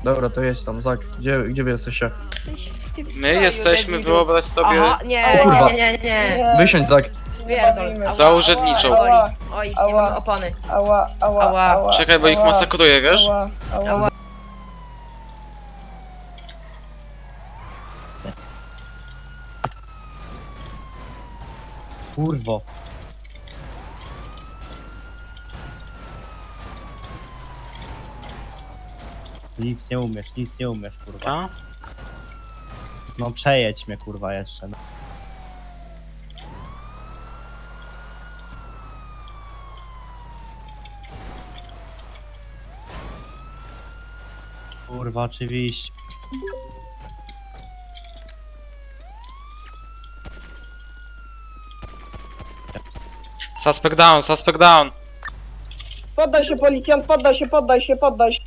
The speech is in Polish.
Dobra, to jedź tam, Zak. Gdzie wy jesteście? My jesteśmy, wyobraź sobie, Aha, nie, O kurwa. nie. Wysiądź, Zak. Pierdol. za urzędniczą. Oj, nie mam opony. Ała, ała, Ała. ała. Czekaj, bo ich ała, masakruje, wiesz? Ała, ała. Ała. Kurwo. Nic nie umiesz, kurwa. A? No przejedź mnie, kurwa, jeszcze. No. Kurwa, oczywiście. Suspect down, suspect down. Poddaj się, policjant, poddaj się.